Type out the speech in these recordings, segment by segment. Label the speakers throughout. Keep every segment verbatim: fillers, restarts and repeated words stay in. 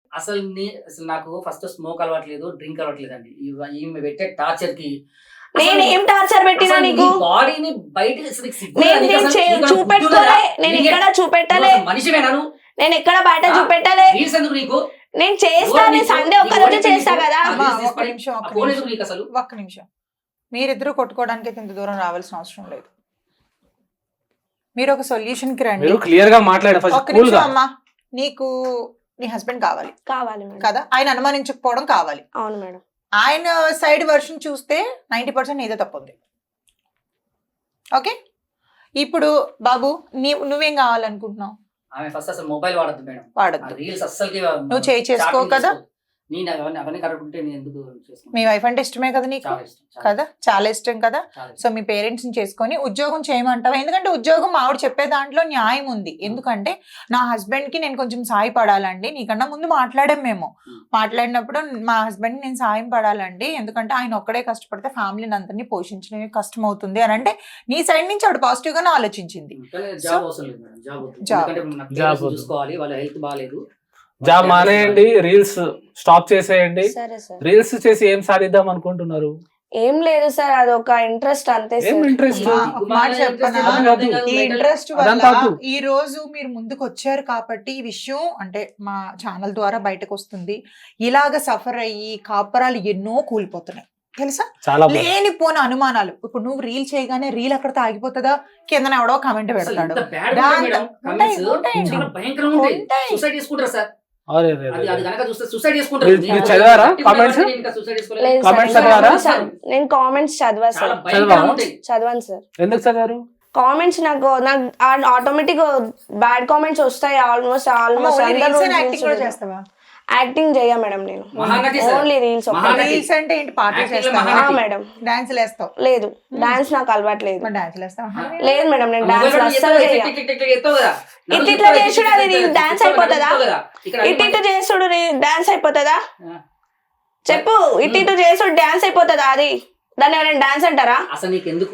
Speaker 1: అసలు నీ అసలు నాకు ఫస్ట్ స్మోక్ అలవాట్లేదు, డ్రింక్ అలవాట్లేదండి. ఇవ ఈమె పెట్టే టార్చర్ కి
Speaker 2: నేను ఏం టార్చర్ పెట్టినా నీకు?
Speaker 1: బాడీని బయటకి అసలు సిగ్గు
Speaker 2: నేను
Speaker 1: నీకు
Speaker 2: నేను
Speaker 1: అసలు?
Speaker 2: చే-
Speaker 1: నీకు
Speaker 2: చూపెట్టుకోలే,
Speaker 1: గుర్తుందా?
Speaker 2: నేను
Speaker 1: నీకే-
Speaker 2: ఎక్కడ చూపెట్టలే,
Speaker 1: నువ్వు అసలు మనిషివేనా నువ్వు?
Speaker 2: నేను ఎక్కడ బయట
Speaker 1: ఆ?
Speaker 2: చూపెట్టలే.
Speaker 1: రీల్స్ ఎందుకు నీకు?
Speaker 2: నేను చేస్తా,
Speaker 1: ఎవరు
Speaker 2: నేను
Speaker 1: నీకు?
Speaker 2: సండే ఒక్క
Speaker 1: నీకు
Speaker 2: రోజు
Speaker 1: ఎవరు
Speaker 2: చేస్తా
Speaker 1: నీకు?
Speaker 2: కదా.
Speaker 1: ఆ
Speaker 3: అమ్మా,
Speaker 1: రీల్స్
Speaker 3: ఒక్క
Speaker 1: తీసుకొని
Speaker 3: నిమిషం
Speaker 1: ఆ
Speaker 3: ఒక్క
Speaker 1: ఫోన్
Speaker 3: నిమిషం
Speaker 1: ఎందుకు నీకు అసలు?
Speaker 3: ఒక్క నిమిషం మీరిద్దరు కొట్టుకోవడానికి ఇంత దూరం రావాల్సిన అవసరం లేదు. మీరు ఒక సొల్యూషన్ కి రండి.
Speaker 4: మీరు క్లియర్ గా మాట్లాడే ఫస్ట్
Speaker 3: ఒక్క
Speaker 4: కూల్
Speaker 3: నిమిషం
Speaker 4: గా.
Speaker 3: అమ్మా, నీకు నీ హస్బెండ్ కావాలి
Speaker 2: కావాలి మేడం.
Speaker 3: కదా, ఆయన అనుమానించకపోవడం కావాలి.
Speaker 2: అవును మేడం.
Speaker 3: ఆయన సైడ్ వర్షన్ చూస్తే నైంటీ పర్సెంట్ నీదే తప్పు ఉంది. ఓకే, ఇప్పుడు బాబు నీ నువ్వేం కావాలనుకుంటున్నావు?
Speaker 1: ఆమె ఫస్ట్ అసలు మొబైల్ వాడద్దు మేడం.
Speaker 3: వాడద్దు.
Speaker 1: రీల్స్ అస్సలకి
Speaker 3: నువ్వు చేయి చేసుకో కదా.
Speaker 1: నేను అవన్నీ అవన్నీ కరెక్ట్ ఉంటే నేను ఎందుకు చేసుకుంటాను?
Speaker 3: మీ వైఫ్ అంటే ఇష్టమే కదా నీకు,
Speaker 1: చాలా ఇష్టం, చాలా
Speaker 3: కదా, చాలా ఇష్టం కదా.
Speaker 1: చాలా ఇష్టం.
Speaker 3: సో మీ పేరెంట్స్ ని చేసుకొని ఉద్యోగం చేయమంటావా? ఎందుకంటే ఉద్యోగం ఆవిడ చెప్పే దాంట్లో న్యాయం ఉంది. ఎందుకంటే నా హస్బెండ్ కి నేను కొంచెం సాయం పడాలండి, నీకన్నా ముందు మాట్లాడాం మేము.
Speaker 1: Hmm.
Speaker 3: మాట్లాడినప్పుడు మా హస్బెండ్ నేను సాయం పడాలండి, ఎందుకంటే ఆయన ఒక్కడే కష్టపడితే ఫ్యామిలీని అందరినీ పోషించడం కష్టం అవుతుంది అని అంటే నీ సైడ్ నుంచి ఆవిడ పాజిటివ్ గానే ఆలోచించింది.
Speaker 1: కానీ జాబ్ అవసరం లేదు మేడం, జాబ్ వద్దు.
Speaker 3: జాబ్.
Speaker 1: ఎందుకంటే నాకు
Speaker 4: జాబ్
Speaker 1: parents
Speaker 4: వద్దు.
Speaker 1: చూసుకోవాలి, వాళ్ళ హెల్త్ బాగాలేదు.
Speaker 4: జాబ్ మానేయండి, రీల్స్ స్టాప్ చేసేయండి.
Speaker 2: సరే సార్.
Speaker 4: రీల్స్ చేసి ఏం సాధిద్దాం అనుకుంటున్నారు?
Speaker 2: ఏం లేదు సార్, అదొక ఇంట్రెస్ట్ అంతే
Speaker 4: ఏం
Speaker 2: సార్.
Speaker 4: ఇంట్రెస్ట్?
Speaker 3: మా- ఒక మాట చెప్పనా?
Speaker 4: అది కాదు.
Speaker 3: ఈ ఇంట్రెస్ట్
Speaker 4: అదంతా
Speaker 3: వల్ల
Speaker 4: వద్దు.
Speaker 3: ఈ రోజు మీరు ముందుకు వచ్చారు కాబట్టి ఈ విషయం అంటే మా ఛానల్ ద్వారా బయటకు వస్తుంది. ఇలాగ సఫర్ అయ్యి కాపరాలు ఎన్నో కూలిపోతున్నాయి తెలుసా.
Speaker 4: చాలా బాగుంది.
Speaker 3: లేనిపోని అనుమానాలు. ఇప్పుడు నువ్వు రీల్ చేయగానే రీల్ అక్కడితో ఆగిపోతుందా? కింద ఎవడో కామెంట్
Speaker 1: అసలు
Speaker 3: పెడతాడు.
Speaker 1: ఎంత bad గా
Speaker 3: దాంతో-
Speaker 1: ఉంటాయి మేడం,
Speaker 3: ఉంటాయి,
Speaker 1: comments.
Speaker 3: ఉంటాయండి.
Speaker 1: చాలా భయంకరంగా ఉంటాయి.
Speaker 3: ఉంటాయి.
Speaker 1: సూసైడ్ చేసుకుంటారు సార్.
Speaker 4: అరే రే
Speaker 1: అది
Speaker 4: రే.
Speaker 1: అది కనుక చూస్తే సూసైడ్ చేసుకుంటారు.
Speaker 4: మీరు-
Speaker 1: నేను
Speaker 4: మీరు చదివారా
Speaker 1: thirty
Speaker 4: comments?
Speaker 1: నేను ఇంకా suicide చేసుకోలేదు.
Speaker 2: లేదు సార్,
Speaker 4: Comments
Speaker 2: నేను
Speaker 4: చదివారా?
Speaker 2: comments చదివా- నేను కామెంట్స్ చదివా
Speaker 1: చాలా
Speaker 2: సార్,
Speaker 1: భయంకరంగా ఉంటాయి.
Speaker 2: చదివాను సార్.
Speaker 4: ఎందుకు చదివారు?
Speaker 2: కామెంట్స్ నాకు నాకు ఆటోమేటిక్ బ్యాడ్ కామెంట్స్ వస్తాయి. ఆల్మోస్ట్ ఆల్మోస్ట్
Speaker 3: యాక్టింగ్ కూడా చేస్తావా?
Speaker 2: యాక్టింగ్ చెయ్య మేడం, నేను
Speaker 1: Mahanati sir.
Speaker 2: Only reels.
Speaker 1: Mahanati.
Speaker 3: Reels అంటే ఏంటి? పాటలు
Speaker 1: Acting లో
Speaker 3: చేస్తావా?
Speaker 1: మహానటి.
Speaker 2: మేడం
Speaker 3: డాన్సులు వేస్తావు?
Speaker 2: లేదు, డాన్స్ నాకు అలవాట్లేదు.
Speaker 3: మరి డాన్సులు వేస్తావా?
Speaker 2: లేదు మేడం, నేను
Speaker 1: ఆ
Speaker 2: డాన్స్
Speaker 1: మొబైల్
Speaker 2: అస్సలు
Speaker 1: ఎత్తావు,
Speaker 2: చెయ్య.
Speaker 1: టిక్ టిక్ టిక్ టిక్ ఎత్తావు కదా.
Speaker 2: ఇట్
Speaker 1: నడుము
Speaker 2: ఇట్లా
Speaker 1: తిప్పావు,
Speaker 2: చేసుడు
Speaker 1: టిక్
Speaker 2: అది
Speaker 1: టిక్ టిక్
Speaker 2: డాన్స్
Speaker 1: తిప్పావు,
Speaker 2: అయిపోతుందా?
Speaker 1: నడుము తిప్పావు కదా. ఇక్కడ
Speaker 2: ఇట్ ఇటు చేసుడు డాన్స్ అయిపోతుందా?
Speaker 1: ఆ.
Speaker 2: చెప్పు, ఇటు ఇటు చేసుడు డాన్స్ అయిపోతుందా? అది దాన్ని ఎవరైనా డాన్స్ అంటారా?
Speaker 1: అసలు నీకు ఎందుకు?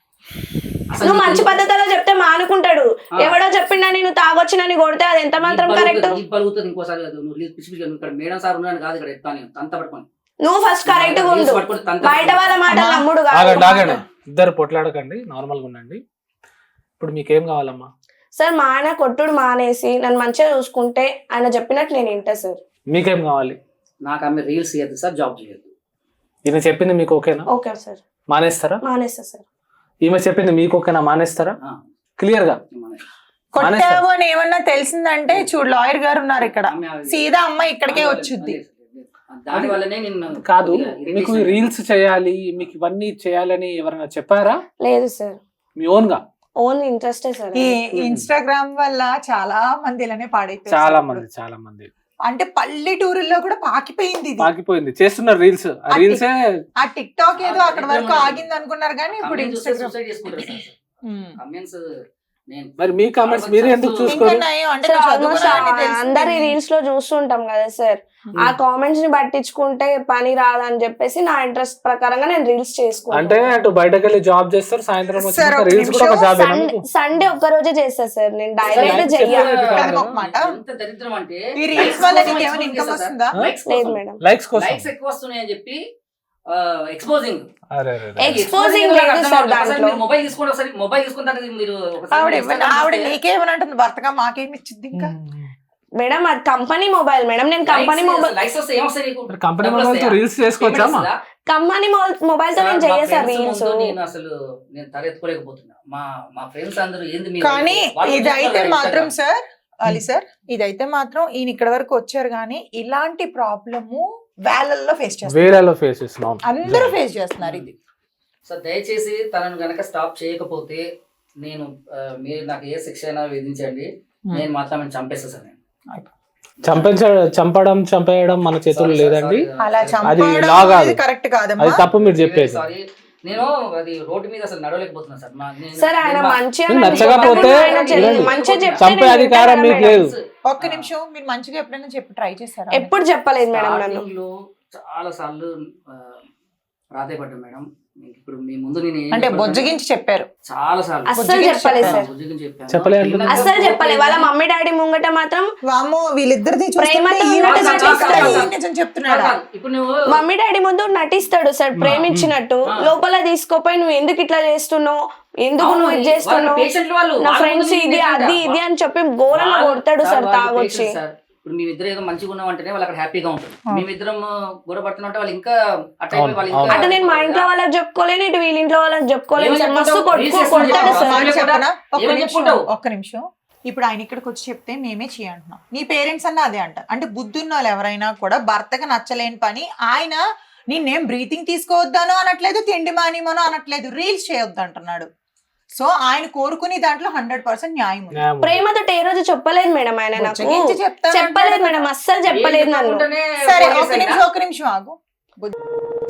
Speaker 1: అసలు
Speaker 2: నువ్వు
Speaker 1: నీకు
Speaker 2: మంచి
Speaker 1: ఎందుకు?
Speaker 2: పద్ధతిలో చెప్తే మానుకుంటాడు.
Speaker 1: ఆ.
Speaker 2: ఎవడో చెప్పిండా నేను తాగొచ్చినని కొడితే అది ఎంత మాత్రం
Speaker 1: నీ
Speaker 2: కరెక్ట్?
Speaker 1: బలుగుతుంది, నీ బలుగుతుంది ఇంకోసారి కాదు. నువ్వు రీల్స్ పిచ్చి పిచ్చిగా నువ్వు ఇక్కడ మేడం సార్ ఉన్నాను కాదు, ఇక్కడ ఎత్తాను తంత పట్టుకొని.
Speaker 2: నువ్వు ఫస్ట్ కరెక్ట్ గా ఉండు,
Speaker 1: రీల్స్ పట్టుకొని తంత
Speaker 2: బయట వాళ్ళ మాట
Speaker 3: అమ్మా.
Speaker 2: నమ్ముడు
Speaker 4: ఆగండి ఆగండి,
Speaker 2: కాదు.
Speaker 4: ఇద్దరు పొట్లాడకండి, నార్మల్ గా ఉండండి. ఇప్పుడు మీకేం కావాలమ్మా?
Speaker 2: సార్ మా ఆయన కొట్టుడు మానేసి నన్ను మంచిగా చూసుకుంటే ఆయన చెప్పినట్టు నేను వింటా సార్.
Speaker 4: మీకేం కావాలి?
Speaker 1: నాకు ఆమె రీల్స్ చేయద్దు సార్, జాబ్ చేయద్దు.
Speaker 4: ఈమె చెప్పింది మీకు ఓకేనా?
Speaker 2: ఓకే సార్,
Speaker 4: మానేస్తారా?
Speaker 2: మానేస్తా సార్.
Speaker 4: ఈమె చెప్పింది మీకు ఓకేనా? మానేస్తారా?
Speaker 1: ఆ,
Speaker 4: క్లియర్ గా.
Speaker 1: మన-
Speaker 3: కొట్టావు అని ఏమన్నా తెలిసిందంటే చూడు, లాయర్ గారు ఉన్నారు ఇక్కడ.
Speaker 1: ఆమె అది-
Speaker 3: సీదా అమ్మ ఇక్కడికే వచ్చుద్ది.
Speaker 1: దాని వల్లనే నిన్ను
Speaker 4: కాదు,
Speaker 1: కొద్దిగా
Speaker 4: మీకు
Speaker 1: irritation.
Speaker 4: రీల్స్ చేయాలి, మీకు ఇవన్నీ చేయాలని ఎవరైనా చెప్పారా?
Speaker 2: లేదు సార్,
Speaker 4: మీ ఓన్ గా?
Speaker 2: ఓన్లీ ఇంట్రెస్టే సార్.
Speaker 3: ఈ ఇన్స్టాగ్రామ్ వల్ల చాలా మంది ఇలానే పాడైపోయారు.
Speaker 4: చాలా మంది చాలా మంది
Speaker 3: అంటే పల్లెటూరుల్లో కూడా పాకిపోయింది ఇది.
Speaker 4: పాకిపోయింది, చేస్తున్నారు రీల్స్. ఆ రీల్సే
Speaker 3: ఆ టిక్ టాక్ ఏదో అక్కడ వరకు ఆగింది అనుకున్నారు కానీ ఇప్పుడు
Speaker 1: Comments చూస్తే
Speaker 3: ఇన్స్టాగ్రామ్.
Speaker 1: suicide చేసుకుంటారు సార్. Comments నేను
Speaker 4: మరి మీ కామెంట్స్ మీరే ఎందుకు
Speaker 3: ఇంకా
Speaker 4: చూసుకోరు?
Speaker 3: నయం అంటే
Speaker 2: సార్
Speaker 3: నువ్వు
Speaker 2: ఆల్మోస్ట్
Speaker 3: చదువుకున్నావని తెలిసింది.
Speaker 2: అందరి రీల్స్ లో చూస్తుంటాం కదా సార్, ఆ కామెంట్స్ ని పట్టించుకుంటే పని రాదని చెప్పేసి నా ఇంట్రెస్ట్ ప్రకారంగా నేను రీల్స్
Speaker 4: అంటే
Speaker 2: చేసుకుంటాను.
Speaker 4: అటు బయటకు వెళ్ళి జాబ్ చేస్తారు, సాయంత్రం
Speaker 3: సార్,
Speaker 4: వచ్చి
Speaker 3: ఒక
Speaker 4: రీల్స్ కూడా ఒక
Speaker 3: నిమిషం.
Speaker 4: జాబ్.
Speaker 2: సండే సండే ఒక్క రోజే చేస్తా సార్, నేను డైరెక్ట్
Speaker 4: Likes
Speaker 2: చెయ్య.
Speaker 4: చెప్పలేదు కదా.
Speaker 3: కాదు ఒక మాట.
Speaker 1: ఎంత దరిద్రం అంటే
Speaker 3: ఈ రీల్స్ వల్ల నీకు ఏమైనా ఇన్కమ్ వస్తుందా?
Speaker 2: లేదు మేడం,
Speaker 4: లైక్స్ కోసం.
Speaker 1: లైక్స్ ఎక్కువ వస్తున్నాయి అని చెప్పి ఎక్స్పోజింగ్.
Speaker 4: అరే అరే అరే.
Speaker 2: ఎక్స్పోజింగ్ లేదు సార్ దాంట్లో.
Speaker 1: మొబైల్ తీసుకోండి ఒకసారి, మొబైల్ తీసుకుంటారు మీరు ఒకసారి
Speaker 3: ఆవిడ
Speaker 1: Instagram
Speaker 3: ఇవ్వని- ఆవిడ
Speaker 1: చూస్తే
Speaker 3: నీకేమని అంటుంది, భర్తగా మాకేమి ఇచ్చింది ఇంకా.
Speaker 2: మేడం అది కంపెనీ మొబైల్ మేడం, నేను కంపెనీ
Speaker 1: likes-
Speaker 2: మొబైల్
Speaker 1: likes వస్తే ఏమొస్తాయి నీకు?
Speaker 4: మరి కంపెనీ
Speaker 1: డబ్బులు
Speaker 4: మొబైల్ తో
Speaker 1: వస్తాయా?
Speaker 4: రీల్స్ చేసుకోవచ్చా?
Speaker 1: Payment వస్తుందా?
Speaker 2: కంపెనీ మొబైల్ తో నేను
Speaker 1: సార్, మా
Speaker 2: చెయ్య సార్
Speaker 1: friends
Speaker 2: రీల్స్.
Speaker 1: ముందు నేను అసలు నేను తలెత్తుకోలేకపోతున్నా. మా మా ఫ్రెండ్స్ అందరూ ఏంది మీరు
Speaker 3: కానీ
Speaker 1: వాళ్ళు
Speaker 3: ఇదైతే
Speaker 1: చెప్తారు
Speaker 3: మాత్రం
Speaker 1: Instagram.
Speaker 3: సార్ అలీ సార్, ఇదైతే మాత్రం ఈయన ఇక్కడ వరకు వచ్చారు కానీ ఇలాంటి ప్రాబ్లము వేలల్లో ఫేస్ చేస్తారు.
Speaker 4: వేరేలో ఫేస్ చేస్తున్నాం.
Speaker 3: అందరూ ఫేస్ చేస్తున్నారు ఇది.
Speaker 1: సో దయచేసి తనను గనక స్టాప్ చేయకపోతే నేను ఆ, మీరు నాకు ఏ శిక్ష అయినా విధించండి, నేను మాత్రం ఆమెను చంపేస్తా సార్. నేను
Speaker 4: చంపించ చంపడం చంపేయడం మన చేతుల్లో
Speaker 1: Sorry,
Speaker 4: లేదండి.
Speaker 1: sorry,
Speaker 3: అలా
Speaker 1: sorry.
Speaker 3: చంపడం
Speaker 4: law కాదు.
Speaker 3: అనేది కరెక్ట్
Speaker 4: అది
Speaker 3: కాదమ్మా.
Speaker 4: తప్పు మీరు చెప్పేది.
Speaker 1: సారీ, నేను అది రోడ్డు మీద అసలు నడవలేకపోతున్నా సార్. మా- నేను-
Speaker 2: సార్ ఆయన
Speaker 1: నేను మా-
Speaker 2: మంచిగా
Speaker 4: మీకు
Speaker 2: నన్ను
Speaker 4: నచ్చకపోతే
Speaker 2: చెప్పండి, ఆయన చె-
Speaker 4: వినండి.
Speaker 2: మంచిగా చెప్తే
Speaker 4: చంపే
Speaker 2: నేను
Speaker 4: అధికారం
Speaker 2: వింటాను
Speaker 4: మీకు
Speaker 2: మేడం.
Speaker 4: లేదు.
Speaker 3: ఒక్క నిమిషం, మీరు మంచిగా ఎప్పుడైనా చెప్పి ట్రై చేస్తారా?
Speaker 2: ఎప్పుడు చెప్పలేదు మేడం నన్ను.
Speaker 1: స్టార్టింగ్ లో చాలా సార్లు ప్రాధాయపడ్డాం మేడం. ఇప్పుడు మీ ముందు నేను ఏం
Speaker 3: అంటే
Speaker 1: చెప్పాను?
Speaker 3: బొజ్జగించి చెప్పారు.
Speaker 1: చాలా సార్లు
Speaker 2: అస్సలు
Speaker 3: బుజ్జిగిచ్చి
Speaker 2: చెప్పలేదు
Speaker 3: చెప్పాను.
Speaker 2: సార్.
Speaker 1: బుజ్జిగిచ్చి చెప్పాను.
Speaker 4: చెప్పలేదు అంటే?
Speaker 1: తిన్నది
Speaker 2: అస్సలు
Speaker 1: పోతే
Speaker 2: చెప్పలేదు. వాళ్ళ మమ్మీ డాడీ ముంగట మాత్రం
Speaker 3: వామ్మో వీళ్ళిద్దరిది చూస్తుంటే
Speaker 2: ప్రేమతో
Speaker 3: ఈవిడ
Speaker 2: ఉన్నట్టు
Speaker 3: నిజం చెప్తాడా,
Speaker 2: నటిస్తాడు.
Speaker 3: ఈయన నిజం చెప్తున్నాడా?
Speaker 1: కాదు, ఇప్పుడు నువ్వు
Speaker 2: మమ్మీ డాడీ ముందు నటిస్తాడు సార్ ప్రేమించినట్టు.
Speaker 1: ఆ.
Speaker 2: లోపల తీసుకోపోయి నువ్వు ఎందుకు ఇట్లా చేస్తున్నావు, ఎందుకు
Speaker 1: అవును,
Speaker 2: నువ్వు ఇది
Speaker 1: వాళ్ళ
Speaker 2: చేస్తున్నావు,
Speaker 1: పేషెంట్లు వాళ్ళు
Speaker 2: నా
Speaker 1: వాళ్ళ
Speaker 2: ఫ్రెండ్స్
Speaker 1: ముందు
Speaker 2: ఇది
Speaker 1: నేను
Speaker 2: అది
Speaker 1: ఏంటంటే,
Speaker 2: ఇది అని చెప్పి ఘోరంగా
Speaker 1: వాళ్ళు-
Speaker 2: కొడతాడు
Speaker 1: సార్,
Speaker 2: సార్
Speaker 1: వాళ్ళు
Speaker 2: తాగొచ్చి.
Speaker 1: Patients sir. ఇప్పుడు మేమిద్దరు ఏదో మంచిగా ఉన్నామంటేనే వాళ్ళు అక్కడ హ్యాపీగా ఉంటుంది.
Speaker 3: ఆ.
Speaker 1: మేమిద్దరం గొడవపడుతున్నా వాళ్ళు ఇంకా అట్లా
Speaker 4: అవును,
Speaker 1: అయిపోయి వాళ్ళు
Speaker 4: అవును.
Speaker 1: ఇంకా
Speaker 2: అంటే నేను మా ఇంట్లో వాళ్ళకి చెప్పుకోలేను, ఇటు వీళ్ళ ఇంట్లో వాళ్ళకి చెప్పుకోలేను సార్.
Speaker 1: ఏమని
Speaker 2: మస్తు
Speaker 1: చెప్పుకుంటావు?
Speaker 2: కొట్టుకో
Speaker 1: రీల్స్
Speaker 2: కొడతాడు
Speaker 1: చేసుకుంటావు.
Speaker 2: సార్.
Speaker 3: మాట చెప్పనా? ఒక్క
Speaker 1: ఏమని
Speaker 3: నిమిషం,
Speaker 1: చెప్పుకుంటావు?
Speaker 3: ఒక్క నిమిషం. ఇప్పుడు ఆయన ఇక్కడికి వచ్చి చెప్తే మేమే చేయంటున్నాం. నీ పేరెంట్స్ అన్న అదే అంటారు. అంటే బుద్ధున్న వాళ్ళు ఎవరైనా కూడా భర్తకు నచ్చలేని పని ఆయన నిన్నేం బ్రీతింగ్ తీసుకోవద్దాను అనట్లేదు, తిండి మానేమనో అనట్లేదు, రీల్స్ చేయొద్దు అంటున్నాడు. సో ఆయన కోరుకుని దాంట్లో హండ్రెడ్ పర్సెంట్ న్యాయం ఉంది.
Speaker 4: న్యాయం ఉంది.
Speaker 2: ప్రేమతో ఏ రోజు చెప్పలేదు మేడం ఆయన నాకు.
Speaker 3: బుజ్జగించి చెప్తాను
Speaker 2: చెప్పలేదు
Speaker 3: అంటాడు
Speaker 2: మేడం,
Speaker 3: కదా.
Speaker 2: అస్సలు చెప్పలేదు
Speaker 1: ఏం
Speaker 2: నన్ను.
Speaker 1: చెప్పకుండానే
Speaker 3: సరే
Speaker 1: ఫోన్
Speaker 3: ఒక
Speaker 1: చేశాయినా?
Speaker 3: నిమిషం ఒక నిమిషం ఆగు. బుజ్జి-